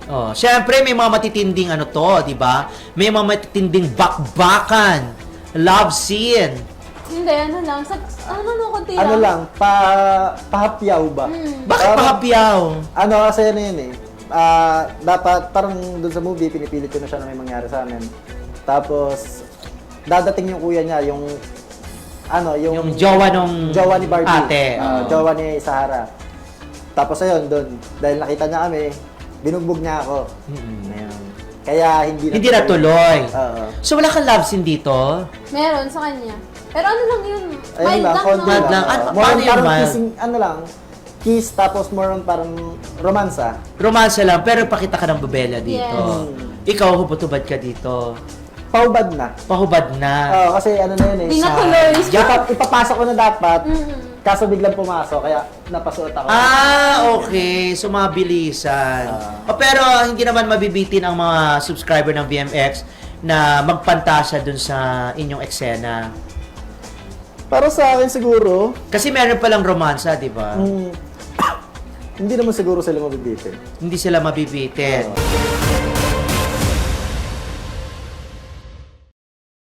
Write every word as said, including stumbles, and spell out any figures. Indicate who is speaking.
Speaker 1: Oh, syempre may mga matitinding ano to, 'di ba? May mga matitinding bakbakan, love scene.
Speaker 2: Hindi, ano lang. Sa, ano no, konti
Speaker 3: Ano
Speaker 2: lang.
Speaker 3: lang, pa, pahapyaw ba?
Speaker 2: Hmm.
Speaker 1: Bakit
Speaker 3: Parang-
Speaker 1: pahapyaw?
Speaker 3: Ano kasi ano yun eh. Ah, dapat, parang dun sa movie, pinipilit ko na siya na may mangyari sa amin. Tapos, dadating yung kuya niya, yung, ano, yung...
Speaker 1: Yung jowa nung
Speaker 3: jowa ni Barbie.
Speaker 1: ate.
Speaker 3: Ah,
Speaker 1: Oo.
Speaker 3: jowa ni Sahara. Tapos ayun, dun, dahil nakita niya kami, binugbog niya ako.
Speaker 1: Mm-mm.
Speaker 3: Ayun. Kaya hindi na
Speaker 1: Hindi natuloy.
Speaker 3: Oo.
Speaker 1: So wala kang love scene dito?
Speaker 2: Meron sa kanya. Pero ano lang yun?
Speaker 3: Ayun
Speaker 2: Mild
Speaker 3: lang,
Speaker 2: lang,
Speaker 3: konti
Speaker 2: no?
Speaker 1: Mild lang. Ano-
Speaker 3: More
Speaker 1: paano
Speaker 3: on
Speaker 1: yung
Speaker 3: parang
Speaker 1: mild?
Speaker 3: kissing, ano lang, kiss, tapos more on parang romansa.
Speaker 1: Romansa lang, pero pakita ka ng babela dito.
Speaker 2: Yes.
Speaker 1: Ikaw, hubot-hubad ka dito.
Speaker 3: Paubad na.
Speaker 1: Pahubad na.
Speaker 3: Oo, kasi ano na yun eh.
Speaker 2: Di
Speaker 3: sa-
Speaker 2: natuloy.
Speaker 3: Ipa- ipapasok ko na dapat,
Speaker 2: Mm-mm.
Speaker 3: kaso biglang pumasok, kaya napasuot ako.
Speaker 1: Ah, okay. So, mabilisan.
Speaker 3: Ah.
Speaker 1: O, pero hindi naman mabibitin ang mga subscriber ng V M X na magpantasya dun sa inyong eksena.
Speaker 3: Para sa akin siguro,
Speaker 1: Kasi meron palang romansa, di ba?
Speaker 3: mm, hindi naman siguro sila mabibitin.
Speaker 1: Hindi sila mabibitin.
Speaker 3: Oo.